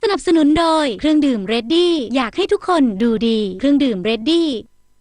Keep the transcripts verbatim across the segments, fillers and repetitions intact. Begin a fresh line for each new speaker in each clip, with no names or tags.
นับสนุนโดยเครื่องดื่มเรดดี้อยากให้ทุกคนดูดีเครื่องดื่มเรดดี้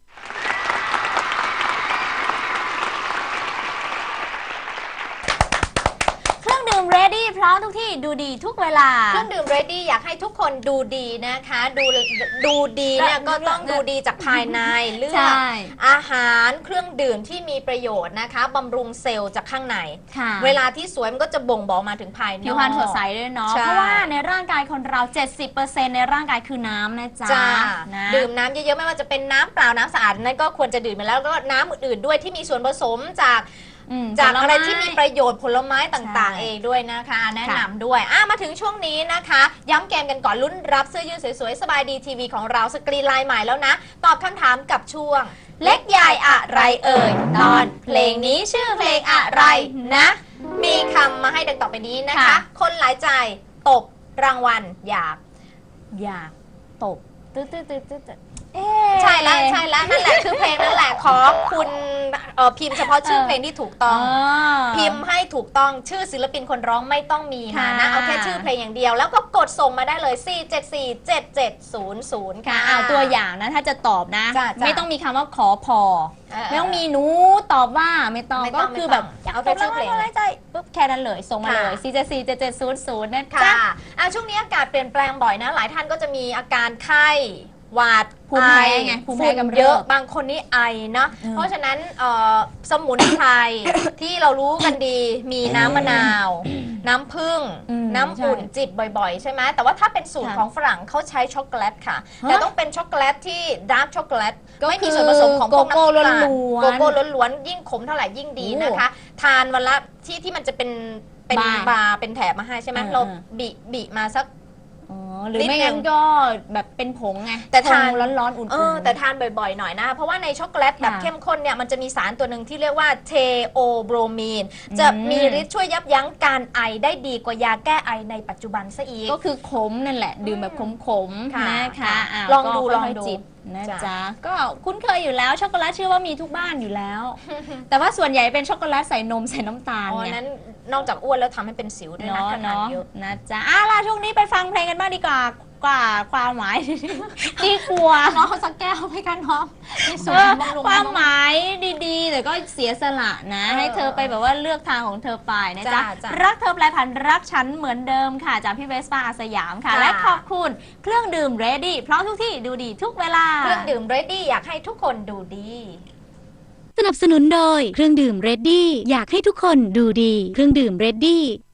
เครื่องดื่ม Ready พร้อมทุกที่ดูดีทุกเวลา
เครื่องดื่ม Ready อยากให้ทุกคนดูดีนะคะดูดูดีเนี่ยก็ต้องดูดีจากภายในเลือกอาหารเครื่องดื่มที่มีประโยชน์นะคะบำรุงเซลล์จากข้างในเวลาที่สวยมันก็จะบ่งบอกมาถึงภายนอก
ผิวพรรณสดใสด้วยเนาะเพราะว่าในร่างกายคนเรา เจ็ดสิบเปอร์เซ็นต์ ในร่างกายคือน้ำนะจ๊ะนะ
ดื่มน้ำเยอะๆไม่ว่าจะเป็นน้ำเปล่าน้ำสะอาดนั่นก็ควรจะดื่มไปแล้วก็น้ำอื่นๆด้วยที่มีส่วนผสมจากจากอะไรที่มีประโยชน์ผลไม้ต่างๆเองด้วยนะคะแนะนำด้วยอ่ะมาถึงช่วงนี้นะคะย้ำเกมกันก่อนลุ้นรับเสื้อยืดสวยๆสบายดีทีวีของเราสกรีนไลน์ใหม่แล้วนะตอบคำถามกับช่วงเล็กใหญ่อะไรเอ่ยตอนเพลงนี้ชื่อเพลงอะไรนะมีคำมาให้ดังต่อไปนี้นะคะคนหลายใจตบรางวัลอยาก
อยากตบตื้อตื้อตื้อตื้อ
ใช่แล้วใช่แล้วนั่นแหละคือเพลงนั่นแหละขอคุณพิมพ์เฉพาะชื่อเพลงที่ถูกต้องพิมพ์ให้ถูกต้องชื่อศิลปินคนร้องไม่ต้องมีนะนะเอาแค่ชื่อเพลงอย่างเดียวแล้วก็กดส่งมาได้เลยสี่ เจ็ด สี่ เจ็ด เจ็ด ศูนย์ ศูนย์ค่ะ
เอาตัวอย่างนะถ้าจะตอบนะไม่ต้องมีคำว่าขอพอไม่ต้องมีหนูตอบว่าไม่ต้องก็คือแบบ
เอาแค่ชื่อเพลง
ใจปุ๊บแค่นั้นเลยส่งมาเลยสี่ เจ็ด สี่ เจ็ด เจ็ด ศูนย์ ศูนย์นะจ๊ะ
ช่วงนี้อากาศเปลี่ยนแปลงบ่อยนะหลายท่านก็จะมีอาการไข้หวัด
ภูมิแพ้ไงภูมิแพ้กำเริบ
เยอะบางคนนี่ไอนะเพราะฉะนั้นสมุนไพรที่เรารู้กันดีมีน้ำมะนาวน้ำผึ้งน้ำอุ่นจิบบ่อยๆใช่ไหมแต่ว่าถ้าเป็นสูตรของฝรั่งเขาใช้ช็อกโกแลตค่ะแต่ต้องเป็นช็อกโกแลตที่ดาร์กช็อกโกแลตไม่มีส่วนผสมของพวกน้ำตาลโกโก้ล้วนๆยิ่งขมเท่าไหร่ยิ่งดีนะคะทานวันละที่ที่มันจะเป็นเป็นบาร์เป็นแถบมาให้ใช่ไหมเราบีบีมาสัก
หรือไม่งั้นก็แบบเป็นผงไง
แต่ทาน
ร้อนๆอุ่น
ๆแต่ทานบ่อยๆหน่อยนะเพราะว่าในช็อกโกแลตแบบเข้มข้นเนี่ยมันจะมีสารตัวหนึ่งที่เรียกว่าเทโอโบรมีนจะมีฤทธิ์ช่วยยับยั้งการไอได้ดีกว่ายาแก้ไอในปัจจุบันซะอีก
ก็คือขมนั่นแหละดื่มแบบขมๆนะคะ
ลองดูลองดู
นะจ๊ะก็คุ้นเคยอยู่แล้วช็อกโกแลตเชื่อว่ามีทุกบ้านอยู่แล้วแต่ว่าส่วนใหญ่เป็นช็อกโกแลตใส่นมใส่น้ำตาล
เนี่ยนั้นนอกจากอ้วนแล้วทำให้เป็นสิวด้วยนะ
เนาะนะจ๊ะอ่ะล่ะช่วงนี้ไปฟังเพลงกันบ้างดีกว่ากว่าความหมายดีกว่า
น้องเขาสักแก้วให้กันน้อง
ความหมายดีๆแต่ก็เสียสละนะให้เธอไปแบบว่าเลือกทางของเธอไปนะจ๊ะรักเธอแปลผันรักฉันเหมือนเดิมค่ะจากพี่เวสป้าอาสยามค่ะและขอบคุณเครื่องดื่ม Ready เพราะทุกที่ดูดีทุกเวลา
เครื่องดื่ม Ready อยากให้ทุกคนดูดี
สนับสนุนโดยเครื่องดื่มเรดดี้อยากให้ทุกคนดูดีเครื่องดื่มเรดดี้